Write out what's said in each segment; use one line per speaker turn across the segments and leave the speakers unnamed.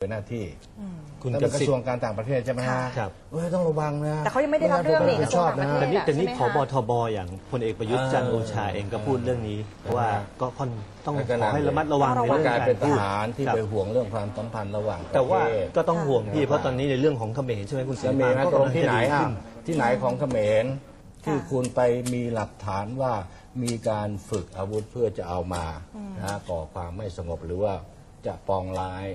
เป็นหน้าที่
คุณ
กระทรวงการต่างประเทศใช่ไหมฮะ
ครับ
ต้องระวังนะ
แต่เขายังไม่ได้รับเรื่องนี่กระทรวงต่างประเทศ
แต่นี่ผบทบอย่างพลเอกประยุทธ์จันทร์โอชาเองก็พูดเรื่องนี้เพราะว่าก็ต้องขอให้ระมัดระวังในเรื่อง
การ
การ
เป็นท
พูด
หารที่ไปห่วงเรื่องความสัมพันธ์ระหว่างประเทศ
แต่ว่าก็ต้องห่วงพี่เพราะตอนนี้ในเรื่องของเขมรใช่ไหมคุณศิริ
มี
พา
นะ
ก็
ตรง
กำลัง
ที่
จะ
ไหน
ดีขึ้น
ที่ไหนของเขมรที่คุณไปมีหลักฐานว่ามีการฝึกอาวุธเพื่อจะเอามาก่อความไม่สงบหรือว่าจะปองร้าย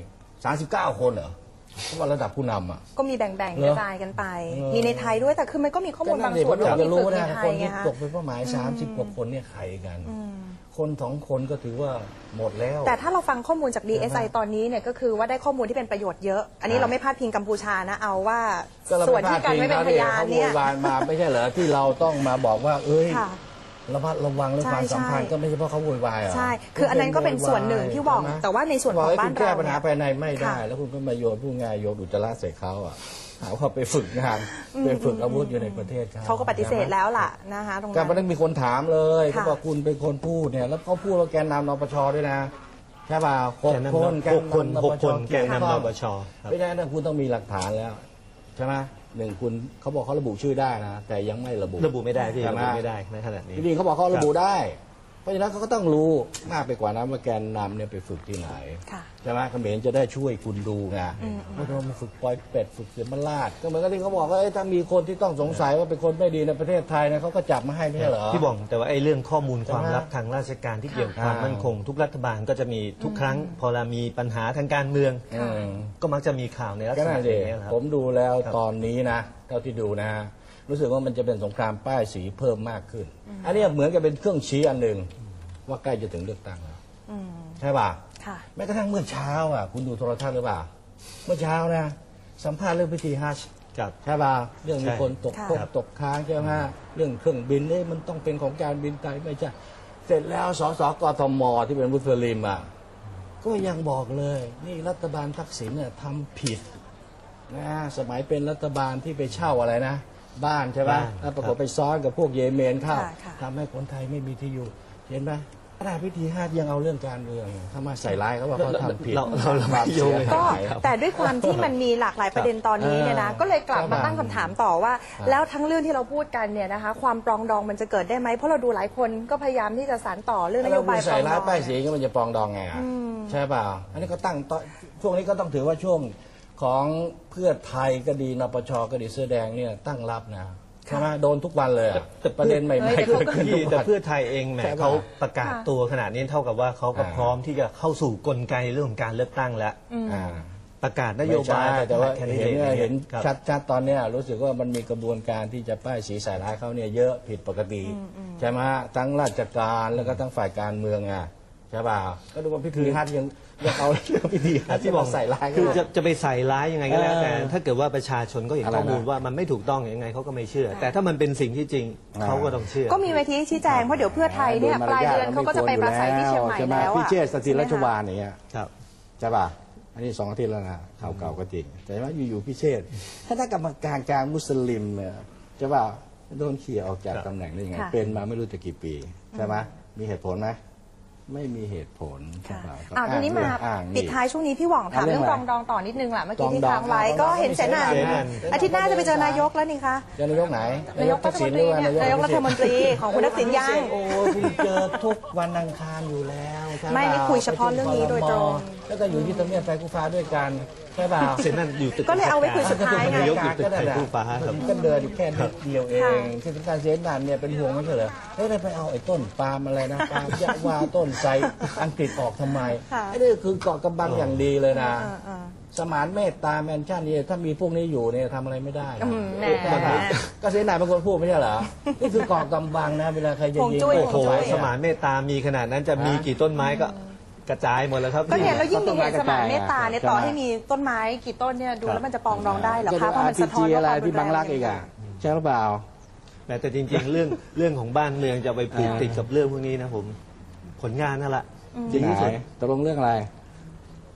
39 คนเหรอเพราะว่าระดับผู้นำอ่ะ
ก็มีแบ่งๆกระจายกันไปมีในไทยด้วยแต่คือมันก็มีข้อมูลบางส่วนที่
จะรู้
ฝึกใน
นะ
ไท
ค
ย
น
ไง
ที่
คะ
ตกเป็นเป้าหมาย30 กว่าคนเนี่ยใครกันคน2 คนก็ถือว่าหมดแล้ว
แต่ถ้าเราฟังข้อมูลจาก DSI ตอนนี้เนี่ยก็คือว่าได้ข้อมูลที่เป็นประโยชน์เยอะอันนี้เราไม่พาดพิงกัมพูชานะเอาว่าส่วนที่กันไม่เป็นพยานเนี่ย
เขาโวยวายมาไม่ใช่เหรอที่เราต้องมาบอกว่าเอ้ยระมัดระวังเรื่องความสัมพันธ์ก็ไม่ใช่เพราะเขาโวยวายอ่ะ
ใช่คืออันนั้นก็เป็นส่วนหนึ่งที่บอกแต่ว่าในส่วนของบ้านเรา
แก้ปัญหาภายในไม่ได้แล้วคุณก็มาโยนผู้งานโยนอุจจาระใส่เขาอ่ะหาว่าไปฝึกงานไปฝึกอาวุธอยู่ในประเทศ
เขาก็ปฏิเสธแล้วล่ะนะคะตรงนั้น
การมันมีคนถามเลยเขาบอกคุณเป็นคนพูดเนี่ยแล้วเขาพูดว่าแกนนำนปชด้วยนะใช่ป่ะ6 คนแกนนำนปช
แกนนำนปช
ไม่ได้นะคุณต้องมีหลักฐานแล้วใช่ไหม1คุณเขาบอกเขาระบุชื่อได้นะแต่ยังไม่ระบุ
ไม่ได้ที่ระบุไม่ได้ในขณะนี้
จริงเขาบอกเขาระบุได้เพราะฉะนั้นเขาก็ต้องรู้มากไปกว่านั้นว่าแกนนำเนี่ยไปฝึกที่ไหนใช่ไหมเขมรจะได้ช่วยคุณดูไงไม่ต้องมาฝึกปล่อยเป็ดฝึกเสือมันลาดก็เหมือนกับที่เขาบอกว่าถ้ามีคนที่ต้องสงสัยว่าเป็นคนไม่ดีในประเทศไทยนะเขาก็จับมาให้ไม่ใช่เหรอ
พี่บอกแต่ว่าไอ้เรื่องข้อมูลความลับทางราชการที่เกี่ยวกับความมั่นคงทุกรัฐบาลก็จะมีทุกครั้งพอเรามีปัญหาทางการเมืองก็มักจะมีข่าวในลักษณะนี้ครับ
ผมดูแล้วตอนนี้นะเท่าที่ดูนะรู้สึกว่ามันจะเป็นสงครามป้ายสีเพิ่มมากขึ้นอันนี้เหมือนกับเป็นเครื่องชี้อันหนึ่งว่าใกล้จะถึงเลือกตั้งแล้วใช่ป่ะแม้กระทั่งเมื่อเช้าอ่ะคุณดูโทรทัศน์หรือเปล่าเมื่อเช้านะสัมภาษณ์เรื่องพิธีฮัจญ์ใช่ป่ะเรื่องมีคนตกค้างใช่ไหมเรื่องเครื่องบินนี่มันต้องเป็นของการบินไทยไม่ใช่เสร็จแล้วสสกทมที่เป็นมุสลิมอ่ะก็ยังบอกเลยนี่รัฐบาลทักษิณเนี่ยทำผิดนะสมัยเป็นรัฐบาลที่ไปเช่าอะไรนะบ้านใช่ป่ะแล้วปรากฏไปซ้อนกับพวกเยเมนเข้าทำให้คนไทยไม่มีที่อยู่เห็นไหมขณะพิธีฮัจญ์ยังเอาเรื่องการเมืองเข้ามาใส่ร้ายเขาว่าเขาทำผิด
เราไม่โยง
ก็แต่ด้วยความที่มันมีหลากหลายประเด็นตอนนี้เนี่ยนะก็เลยกลับมาตั้งคำถามต่อว่าแล้วทั้งเรื่องที่เราพูดกันเนี่ยนะคะความปรองดองมันจะเกิดได้ไหมเพราะเราดูหลายคนก็พยายามที่จะสานต่อเรื่องนโยบายปรองดองใส่ร้าย
ป้ายสีก็มันจะปรองดองไงใช่เปล่าอันนี้ก็ตั้งช่วงนี้ก็ต้องถือว่าช่วงของเพื่อไทยก็ดีนปชก็ดีเสื้อแดงเนี่ยตั้งรับนะใช่ไหมโดนทุกวันเลยแต่ประเด็นใหม่ๆเกิดขึ้น
แต่เพื่อไทยเองแหมเขาประกาศตัวขนาดนี้เท่ากับว่าเขาก็พร้อมที่จะเข้าสู่กลไกเรื่องของการเลือกตั้งแล้วประกาศนโยบาย
แต่ว่าเห็นชัดๆตอนนี้รู้สึกว่ามันมีกระบวนการที่จะป้ายสีใส่ร้ายเขาเนี่ยเยอะผิดปกติใช่ไหมทั้งราชการแล้วก็ทั้งฝ่ายการเมืองอ่ะใช่ป่าวก็ดูว่าพิธีฮัจญ์ยังเอาเรื่องพิธีฮัจญ์ที่บอกใส่ร้าย
คือจะไปใส่ร้ายยังไงก็แล้วแต่ถ้าเกิดว่าประชาชนก็เห็นข้อมูลว่ามันไม่ถูกต้องยังไงเขาก็ไม่เชื่อแต่ถ้ามันเป็นสิ่งที่จริงเขาก็ต้องเชื่อ
ก็มีเวทีชี้แจงเพราะเดี๋ยวเพื่อไทยเนี่ยปลายเดือนเขาก็จะไปปราศัยที่เชียงใหม่แล้ว
พี่เชษฐ์สถิรราชวานเนี่ยใช่ป่ะอันนี้2 อาทิตย์แล้วนะข่าวเก่าก็จริงแต่ว่าอยู่ๆพี่เชษฐ์ถ้ากรรมการกลางมุสลิมเนี่ยใช่ป่ะโดนเขี่ยออกจากตำแหน่งได้ยังไงเป็นมาไม่รู้จะกี่ปีใช่ไหมมีเหตุผลไหมไม่มีเหตุผล
ทีนี้มาปิดท้ายช่วงนี้พี่หว่องถามเรื่องปรองดองต่อนิดนึงแหละเมื่อกี้ที่ค้างไว้ก็เห็นเสนาอาทิตย์หน้าจะไปเจอนายกแล้วนี่คะ
เจอนายกไหน
นายกรัฐมนตรีนายกรัฐมนตรีของคุณทักษิณยัง
โอ้คุณเจอทุกวันอังคารอยู่แล้ว
ไม่นี่คุยเฉพาะเรื่องนี้โดยตรง
แล้วก็อยู่ที่ทำเนียบไฟกูฟ้าด้วยกันใช่ป่าว
เสร็จนั่นอยู่ตึก
ก็เลยเอาไว้คุยสุดท้ายไง
นายกอยู่ตึกไฟกู้ฟ้าครับ
ก็เดินแค่นิดเดียวเองที่สำคัญเสนาเนี่ยเป็นห่วงไม่ใช่เหรอเฮ้ยไปเอาไอ้ต้นปาล์มอะไรนะปาล์มยะวาต้นไทรอังกฤษออกทำไมไอ้นี่คือเกาะกำบังอย่างดีเลยนะสมานเมตตาแมนชั่นนี่ถ้ามีพวกนี้อยู่เนี่ยทำอะไรไม่ได้ก็เสนาเป็นคนพูดไม่ใช่เหรอนี่คือเกาะกำบังนะเวลาใครจะยิง
โอ้โหสมานเมตตามีขนาดนั้นจะมีกี่ต้นไม้ก็กระจายหมดแล้วครับ
ก็เนี่ยแล้วยิ่งมีเหตุสมานเมตตาเนี่ยต่อให้มีต้นไม้กี่ต้นเนี่ยดูแล้วมันจะปองดองได้เหรอคะเพราะมันสะท้อน
อะไรที่บางรักอีกอ่ะใช่หรือเปล่า
แต่จริงๆเรื่องของบ้านเมืองจะไปผูกติดกับเรื่องพวกนี้นะผมผลงานนั่นแหละ
จริงที่สุดตกลงเรื่องอะไร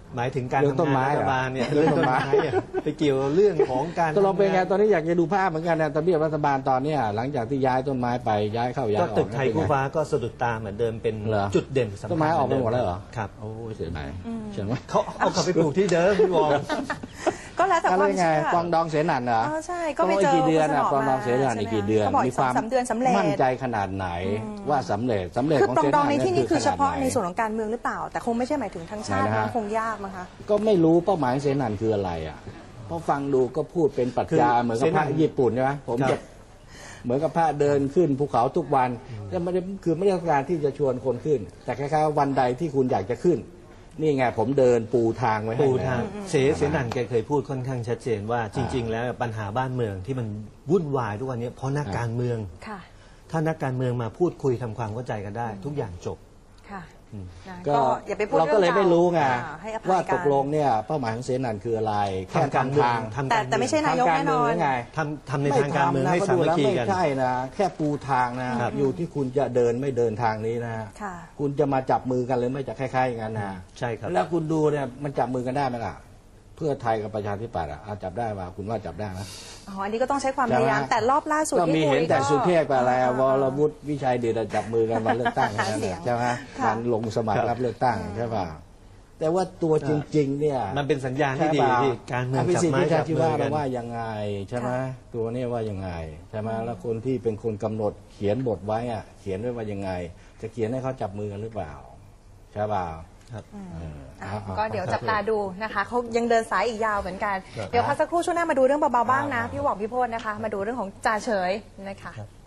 หมายถึงการ
เรื่องต้น
ทำ
ไม้
งาน
เหรอ
รัฐบาลเนี่ย
เรื่องต้นไม้
เนี่ยไปเกี่ยวเรื่องของการ
ตกลงเป็นไงตอนนี้อยากจะดูภาพเหมือนกันนะทำเนียบรัฐบาลตอนเนี้ยหลังจากที่ย้ายต้นไม้ไปย้ายเข้าย้าย
ก็
ออก
ตึกไทย
เป็น
คู่
ง
ฟ้าก็สะดุดตาเหมือนเดิมเป็น
เหรอ
จุดเด่นสำคัญ
ต้นไม้ออกไปหมดแล้วเหรอ
ครับ
โอ้ยเสียดายเชื่อไหม
เขาเอากลับไปปลูกที่เดิมพี่วอง
ก็แล้วแต่
อะ
ค
ไร
วาม
ไง
เชื่อก
วางดองเสนันเหรอ
อ๋อใช่ก็ไปเจอ
กี่เดือน
คุณสน
นะ
อ
กวางดองเสนัน
มา
อีกกี่เดือน
เขาบอกอีก
ความ
2-3 เดือนสำเร็จ
มั่นใจขนาดไหนว่าสำเร็จ
คือ
ของ
ปรอง
เส
ด
นั
อง
น
ในที่นี้คือเฉพาะในส่วน
ข
ของการเมืองหรือเปล่า แต่คงไม่ใช่หมายถึงทั้งชาติ
ไหนนะฮะ
มันคงยากมั้งคะ
ก็ไม่รู้เป้าหมายของเสนันคืออะไรอ่ะเพราะฟังดูก็พูดเป็นปรัชญาเหมือนกับพระญี่ปุ่นใช่ไหมผมจะเหมือนกับพระเดินขึ้นภูเขาทุกวันแต่ไม่ได้คือไม่ได้ต้องการที่จะชวนคนขึ้น แต่คล้ายๆวันใดที่คุณอยากจะขึ้น นี่ไงผมเดินปูทางไว้ให้
ปู
นะ
ทางเสนันแกเคยพูดค่อนข้างชัดเจนว่าจริง ๆ แล้วปัญหาบ้านเมืองที่มันวุ่นวายทุกวันนี้เพราะนักการเมือง
ค่ะ
ถ้านักการเมืองมาพูดคุยทำความเข้าใจกันได้ ทุกอย่างจบ
ค่ะนะ
ก็
ก็อย่าไปพูด
เราก็เลยไม่รู้ไง
ให้อภัย
ว่า
กัน
ตกลงเนี่ยเป้าหมายของเสนันคืออะไรแค่
ทำการเมือง
ทาง
ทำ
แต่ไม่ใช่นายก
ทำการ
แน่น
เมื
อ
องห
น
รือไง
ทำในทางการเมืองให้
ไม่
สา
ทำ
มัค
นะ
คี
ไม่
กัน
ใช่นะแค่ปูทางนะอยู่ที่คุณจะเดินไม่เดินทางนี้นะ
ค่ะ
คุณจะมาจับมือกันหรือไม่จะคล้ายๆอย่างนั้นนะ
ใช่ครับ
แล้วคุณดูเนี่ยมันจับมือกันได้ไหมล่ะเพื่อไทยกับประชาธิปัตย์อ่ะจับได้ป่ะคุณว่าจับได้ไหม
อ๋อ อันนี้ก็ต้องใช้ความพยายาม แต่รอบล่าสุด
ก็มี
ที่คุย
เห็นแต่สุเทพกับอะไรอะว
อ่า
รวุฒิวิชัยเดชจับมือกันมาเลือกตั้งนั่นแหละใช่ไหม
ค่ะ
การลงสมัครรับเลือกตั้งใช่ป่ะแต่ว่าตัวจริงๆเนี่ย
มันเป็นสัญญาณที่ดี
ใช่ป่ะ
ที่การเมือง
ภิ
จับ
สิทธิ์
ไม้
วิชา
จับ
ชี
มื
วะ
อกั
เรา
น
ว่ายังไงใช่ไหมตัวนี้ว่ายังไงใช่ไหมแล้วคนที่เป็นคนกำหนดเขียนบทไว้อะเขียนไว้ว่ายังไง จะเขียนให้เขาจับมือกันหรือเปล่าใช่ป่ะ
ครับ
ก็เดี๋ยวจับตาดูนะคะเขายังเดินสายอีกยาวเหมือนกัน เดี๋ยวพักสักครู่ช่วงหน้ามาดูเรื่องเบาๆบ้างนะพี่หว่องพี่โพจน์นะคะ มาดูเรื่องของจ่าเฉยนะคะ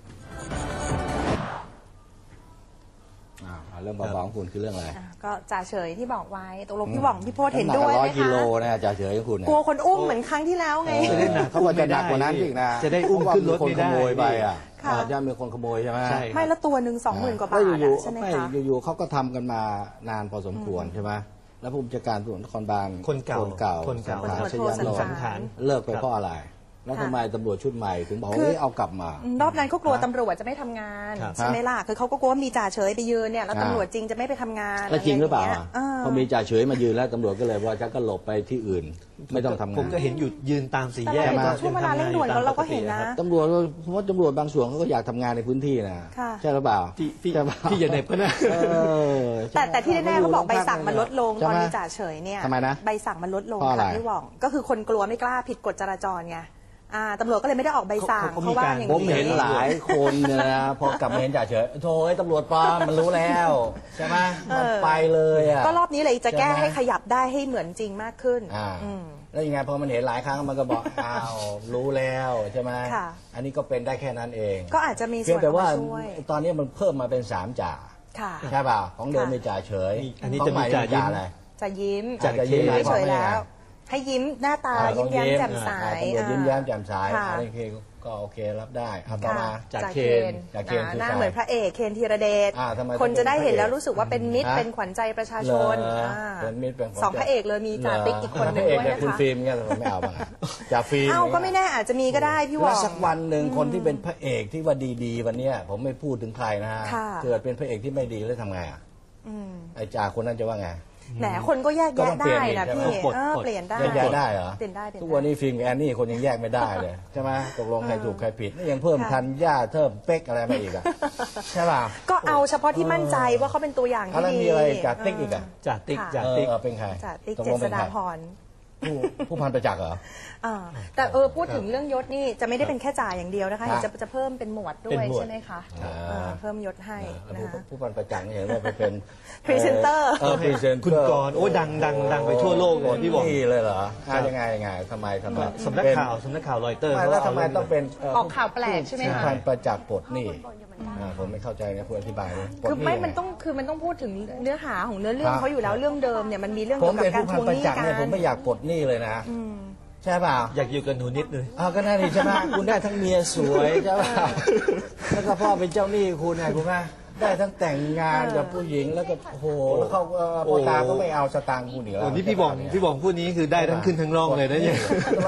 เรื่องเบาๆของคุณคือเรื่องอะไร
ก็จ่าเฉยที่บอกไว้ตกลงพี่หว่องพี่โพจน์เห็นด้วย
ำ
ไห
ก
ม
100 กิโล
คะ
นะจ่าเฉยของคุณเนี่ย
กลัวคนอุ้มเหมือนครั้งที่แล้วไง
จะได้หนัก
เขาว่าจะหนักกว่านั้นอีกนะ
จะได้อุ้มขึ้นรถ
เพาะว่ามีคนข
ไม่ได้
โมยไปอ่ะ
ค่ะ
จะมีคนขโมยใช่ไหม
ใช่
ไม่ละตัวหนึ่ง20,000 กว่าบาท
แล้วอยู่
อะใช่ไหม
ไม่
คะ
อยู่ๆเขาก็ทำกันมานานพอสมควรใช่ไหมแล้วผู้บัญชาการตำรวจนครบาล
คนเก่า
คนเก่า
คนเก่า
ชยัน
คน
โล
สังขาร
เลิกไปเพราะอะไร แล้วทำไมตำรวจชุดใหม่ถึงบอกว่าเฮ้ยเอากลับมา
รอบนั้นเขากลัวตำรวจจะไม่ทำงาน
ครับ
ใช่ไหมล่ะคือเขาก็กลัวว่ามีจ่าเฉยไปยืนเนี่ยแล้วตำรวจจริงจะไม่ไปทำงาน
แล้วจริงหรือเปล่า
ะไย่
อ่ะ
ย
พอมีจ่าเฉยมายืนแล้วตำรวจก็เลยว่าจะก็หลบไปที่อื่น ไม่ต้องทำงาน
ผมก็เห็นอยู่ยืนตามสี่
แต่
แยก
เราเห็น
ก็
ว่าช่วงเวลาเร่งด่วนเราก็เห็นนะ
ตำรวจเพราะว่าตำรวจบางส่วนเขาก็อยากทำงานในพื้นที่นะ
ค่ะ
ใช่หรือเปล่า
ที่
ใช่เปล่า
ที่อย่าเหน็บก็นะ
เออ
แต่ที่แน่ๆเขาบอกใบสั่งมันลดลง
ใช่
ตอน
ไห
มีจ่าเฉยเนี่ย
ทำไมนะ
ใบสั่งมันลดลง
เพราะอะไร
ค่ะพี่หว่องก็คือคนกลัวไม่กล้าผิดกฎจราจรไงตำรวจก็เลยไม่ได้ออกใบสั่ง
เขา
เพ
มี
ราะว่า
การ
อย่าง
ผม
นี้
เห็นหลายคนเนี่ยนะพอกลับมาเห็นจ่าเฉยโธ่ไอ้ตำรวจปลอมมันรู้แล้วใช่ไหมมันไปเลยอ่ะ
ก็รอบนี้เลยจะแก้
ใช่ไหม
ให้ขยับได้ให้เหมือนจริงมากขึ้น
แล้วยังไงพอมันเห็นหลายครั้งมันก็บอก อ้าวรู้แล้วใช่ไหม
ค่ะ
อันนี้ก็เป็นได้แค่นั้นเอง
ก็อาจจะมี
เพี
ส่
ย
ว
ง
น
แต่ว่า
มาช่วย
ตอนนี้มันเพิ่มมาเป็น3จ่า
ค่ะ
ใช่เปล่าของเดิม
ค่ะ
มีจ่าเฉย
อันนี้
ของ
จะมี
ใหม่
จ่ายิ้ม
อะไร
จะยิ้ม
จ่ายิ้ม
เฉยๆแล้ว ให้ยิ้มหน้าตายิ้มแย้มแจ่มใส
ตำรวจยิ้มแย้มแจ่มใส
ค่ะ
อันนี้ก็โอเครับได้เอาต่อมา
จ่า
จ่า
เคน
จ่าเคนคือ
หน้า
ใคร
เหมือนพระเอกเคนธีรเดช
ทำไม
คนจะได้เห็น
ต้องเป็นพระเอก
แล้วรู้สึกว่าเป็นมิตร
ฮะ
เป็นขวัญใจประชาชน
เหรอ
อ่า
เป็นมิตรเป็นขวัญใจ
สองพระเอกเลยมีจ่าติ๊กอีกคนหนึง
พระเอก
ด้วย
เนี่ย
นะ
คุณ
คะ
ฟิล์มเนี่ยผมไม่เอาบ้างอะจ่าฟิล์ม
เอ้าก็ไม่แน่อาจจะมีก็ได้พี่หว่
แล้
อ
ว
ง
สักวันหนึ่งคนที่เป็นพระเอกที่ว่าดีๆวันเนี้ยผมไม่พูดถึงใครนะฮะ
ค่ะ
เกิดเป็นพระเอกที่ไม่ดีแล้วทำไงอ่ะไอ้จ่าคนนั้นจะว่าไง
แหมคนก็แยก
ก็
แยะ
ต้องเปลี่
ได้
ยนอีก
นะ
ใช่ไหม
พี่
ปลด
เปลี่ยนได้
แยกแยะได้เหรอ
เปลี่ยนได้
ทุกวันนี้ฟิล์มกับแอนนี่คนยังแยกไม่ได้เลยใช่ไหมตกลงใครถูกใครผิดนี่ยังเพิ่มทันย่าเพิ่มเป๊กอะไรมาอีกอ่ะใช่ป่ะ
ก็เอาเฉพาะที่มั่นใจว่าเขาเป็นตัวอย่างที่
แล้ว
ดี
มีอะไรจ่าติ๊กอีกอ่ะ
จ่าติ๊ก
ค่ะ
จ่าติ๊ก
เป็นใคร
จ่าติ๊ก
ตก
เจ
ลง
ษ
เป็น
ฎา
ใคร
พร
ผู้พันประจักษ์เหรอ
แต่พูดถึงเรื่องยศนี่จะไม่ได้เป็นแค่จ่าอย่างเดียวนะคะ
ครั
เห็
บ
นจะเพิ่มเป็นหมวดด้
เป็
วน ย
หมวด
ใช่ไหมคะเพิ่มยศให้
แล้ว
นะคะ
ผู้พันประจักษ์เนี่ยเห็นว่าไปเป็น
พรีเซนเตอร์
พรีเซนเตอร์
คุณกรณ์โอ้ยดังไปทั่วโลกเลยพี่บอก
นี่เลยเหรอ
ครับ
ยังไงทำไม
สำนักข่าวรอยเตอร์
ไม่แล้วทำไมต้องเป็น
ออกข่าวแปลกใช่ไหมคะ
ผู้พันประจักษ์ปลดหนี่ผมไม่เข้าใจนะคุณอธิบายเลยปลด
คือ
ห
ไม่
ยั
มัน
งง
ต้องพูดถึงเนื้อหาของเนื้อเรื่อง
ครับ
เขาอยู่แล้วเรื่องเดิมเนี่ยมันมีเรื่อง
ผ
เกี่
ม
ยวกับ
เป็น
การ
ผู้
ท
พัน
วง
ป
ห
ระ
นี้
จักษ์
กั
เนี่ยผม
น
ไม่อยากปลดหนี้เลยนะใช่เปล่า
อยากอยู่กับหนูนิดเลย
ก็น่าดีใช่ไหมคุณได้ทั้งเมียสวยใช่เปล่าแล้วก็พ่อเป็นเจ้าหนี้คุณไงคุณแม่ได้ทั้งแต่งงานกับผู้หญิงแล้วก็โอ้โหแล้วเขาพ่อตาก็ไม่เอาสตางค์คุณเหนือ
โอ้นี่พี่บองพูดนี้คือได้ทั้งขึ้นทั้งร่องเลยนะเนี่ย
แล้วใช่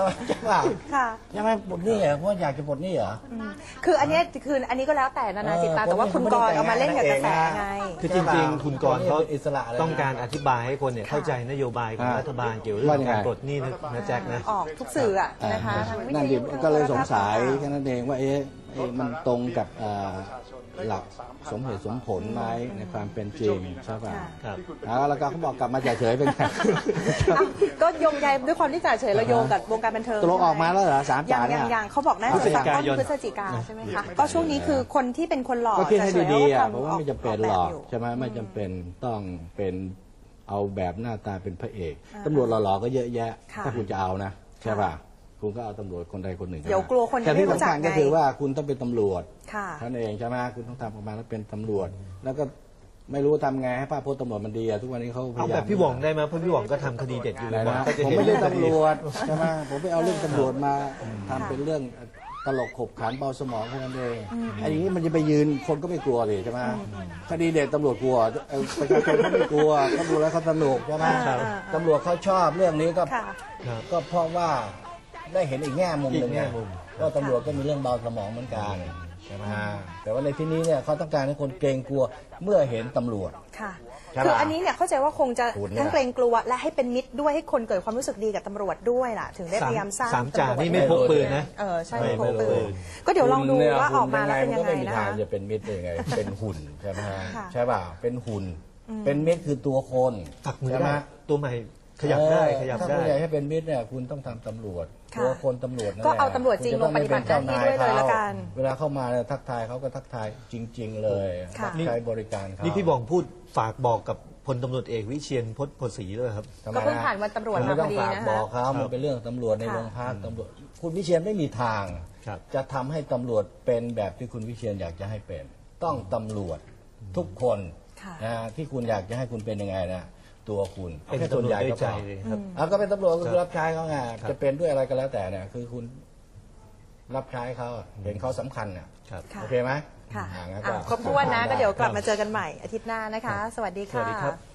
ว่า
ค่ะ
ใช่ไหมปลดหนี้เหรอเพราะอยากจะปลดหนี้เหรอ
คืออันนี้ก็แล้วแต่นานาจิตตังแต่ว่าคุณกรณ์เอามาเล่นกับกระแสไง
คือจริงๆ คุณกรณ์เขา
เป็นอิสระเลยนะ
ต้องการอธิบายให้คนเนี่ยเข้าใจนโยบายของรัฐบาลเกี่ยวกับเรื่องการปลดหนี้นะแจ็คนะ
ออกทุกสื่ออะนะคะทางวิท
นั่นดิ
ยุ
ก็เลยสงสัยแค่นั้นเองว่ามันตรงกับหลักสมเหตุสมผลไหมในความเป็นจริงใช่ป่ะ
ครับ
แล้วก็เขาบอกกลับมาเฉยๆเป็นไง
อ่ะก็โยงใยด้วยความที่จ่าเฉยเราโยงกับวงการบันเทิง
ตกลงออกมาแล้วเหรอสาม
ยั
จ่างเนี่ย
ยังเขาบอกน่าจะสักต้นพฤศจิกาใช่ไหมคะก็ช่วงนี้คือคนที่เป็นคนหล่อ
ก็คิดให้
จ่าเฉย
ดีๆ
ก็
อ่ะ
ทำ
เพราะว่าไม่จำเป็นหรอก
แบบยู่
ใช่ไหมไม่จำเป็นต้องเป็นเอาแบบหน้าตาเป็นพระเอกตำรวจหล่อๆก็เยอะแยะ
ค่ะ
ถ้าคุณจะเอานะใช่ป่ะคุณก็เอาตำรวจคนใดคนหนึ่ง
เดี๋ยวกลัวคนจะ
แต่ที่
ไม่รู้
สำ
จัก
คัญก็
ไง
คือว่าคุณต้องเป็นตำรวจ
ค่ะ
ท่านเองใช่ไหมคุณต้องทำออกมาแล้วเป็นตำรวจ แล้วก็ไม่รู้ทำไงให้ภาพพจน์ตำรวจมันดีอะทุกวันนี้เขาพ
เอา
ยายาม
แบบพี่หว่องได้ไหมเพราะพี่หว่องก็ทำคดีเด็ดอยู่
อะไร
บ่อย
นะ
ๆก็จะ
ผม
เห็น
ไม่ได้
เรื่องคดี
ตำรวจใช่ไหมผมไปเอาเรื่องตำรวจมาทำเป็นเรื่องตลกขบขันเบาสมองแค่นั้นเองไอ้อย่างนี้มันจะไปยืนคนก็ไม่กลัวเลยใช่ไหมคดีเด็ดตำรวจกลัวประชาชนเขาไม่กลัวเขาดูแล้วเขาสนุกใช่ไหม
ครับ
ตำรวจเขาชอบเรื่องนี้ก็
ค่ะ
ครับ
ก็เพราะว่าได้เห็นอีกแง่มุมหนึ่ง
อีกแง่
ไง
มุม
ก็ตำรวจก็มีเรื่องเบาสมองเหมือนกันใช่ไหมฮะแต่ว่าในที่นี้เนี่ยเขาต้องการให้คนเกรงกลัวเมื่อเห็นตำรวจ
ค่ะ
ใช่ปะ
คืออันนี้เนี่ยเข้าใจว่าคงจะ
คุณเนี่ย
ทั้งเกรงกลัวและให้เป็นมิตรด้วยให้คนเกิดความรู้สึกดีกับตำรวจด้วยล่ะ ถึงได้พยายามสร้าง
สามจ่า
ตำรวจ
นี่ไม่พกปืนนะ
ใช่
ไม่
ไม่พก
ไม่
ปื
เลย
นก็เดี๋ยวลองดู
คุณนี่
ว่าออกมาแล้วเป็นยังไง
ก็ไม่มี
นะ
ทาง
คะ
จะเป็นมิตรได้ยังไง เป็นหุ่นใช่ไหมฮะ
ค่ะ
ใช่ป่ะเป็นหุ่น เป็นมิตรคือตัวคน
ตักมือ
ใช่ไหม
ได้ตัวใหม่ขยับได้ขยับ
ถ้า
ได้
คุณอยากให้เป็นมิตรเนี่ยคุณต้องทำตำรวจ
ค่ะ
ตัวคนตำรวจนั่นแห
ก็
ละ
เอาตำรวจจริง
คุณะต้อ
ลงปฏิบัติหน้าที่ด้วยเลยละกัน
เวลาเข้ามาเนี่ยทักทายเขาก็ทักทายจริง ๆ เลย
ค่ะ
ใช้บริการเขา
นี่พี่หว่องพูดฝากบอกกับพลตำรวจเอกวิเชียรพจน์โพธิ์ศรีด้วยครับ
ทำไม
ก็เพิ่ง
ฮะ
ผ่านวันตำรวจ
คุณ
มา
ไม่
พ
ต้
อ
อง
ดี
ฝาก
นะ
บ
คะ
อกเขามันเป็นเรื่องตำรวจใน
ค่ะ
โรงพักตำรวจคุณวิเชียรไม่มีทาง
ครับ
จะทำให้ตำรวจเป็นแบบที่คุณวิเชียรอยากจะให้เป็น ต้องตำรวจทุกคน
ค่ะ
นะที่คุณอยากจะให้คุณเป็นยังไงนะตัวคุณ
เป็น
แค่
ตำรวจ
ส่วนใหญ่
ด้วย
ก็
ใจ
พอ
เลยครับ
เอาก็เป็นตำรวจก็คือ
ครับ
รับใช้เขาไง
ครับ
จะเป็นด้วยอะไรก็แล้วแต่เนี่ยคือคุณรับใช้เขาเห็นเขาสำคัญน่ะ
ครับ
ค่ะ
โอเคไหม
ค่ะ
งั้น
ครบถ้วนนะก็เดี๋ยวกลับมาเจอกันใหม่อาทิตย์หน้านะคะ สวัสดี
สวัสดีครั
ค่ะ
บ